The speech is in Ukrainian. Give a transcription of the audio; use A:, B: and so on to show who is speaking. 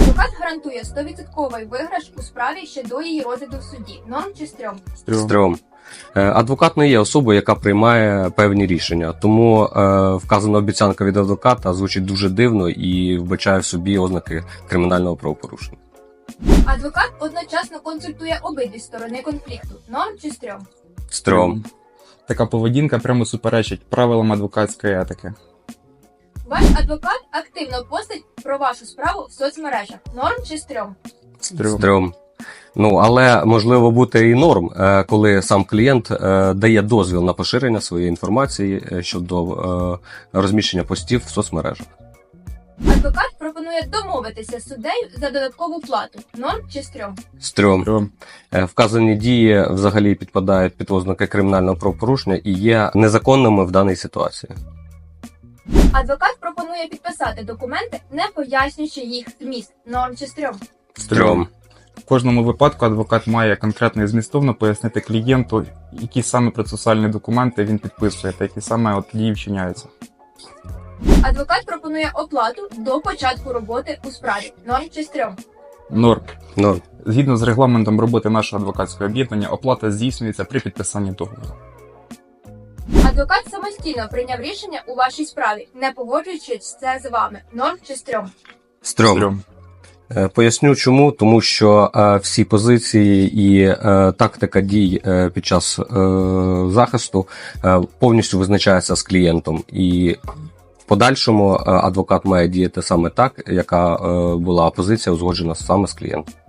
A: Адвокат гарантує 100% виграш у справі ще до її розгляду в суді. Норм чи стрьом?
B: Стрьом. Адвокат не є особою, яка приймає певні рішення, тому вказана обіцянка від адвоката звучить дуже дивно і вбачає в собі ознаки кримінального правопорушення.
A: Адвокат одночасно консультує обидві сторони конфлікту. Норм чи стрьом?
B: Стрьом.
C: Така поведінка прямо суперечить правилам адвокатської етики.
A: Ваш адвокат активно постить про вашу справу в соцмережах. Норм чи стрьом?
B: Стрьом. Але можливо бути і норм, коли сам клієнт дає дозвіл на поширення своєї інформації щодо розміщення постів в соцмережах.
A: Адвокат пропонує домовитися з суддею за додаткову плату. Норм чи стрьом?
B: Стрьом. Вказані дії взагалі підпадають під ознаки кримінального правопорушення і є незаконними в даній ситуації.
A: Адвокат пропонує підписати документи, не пояснюючи їх зміст. Норм чи стрьом?
B: Стрьом.
C: В кожному випадку адвокат має конкретно і змістовно пояснити клієнту, які саме процесуальні документи він підписує та які саме дії вчиняються.
A: Адвокат пропонує оплату до початку роботи у справі. Норм чи стрьом?
C: Норм.
B: Норм.
C: Згідно з регламентом роботи нашого адвокатського об'єднання, оплата здійснюється при підписанні договору.
A: Адвокат самостійно прийняв рішення у вашій справі, не погоджуючись це з вами. Норм чи стрьом?
B: Стрьом. Поясню чому, тому що всі позиції і тактика дій під час захисту повністю визначається з клієнтом. І в подальшому адвокат має діяти саме так, яка була позиція узгоджена саме з клієнтом.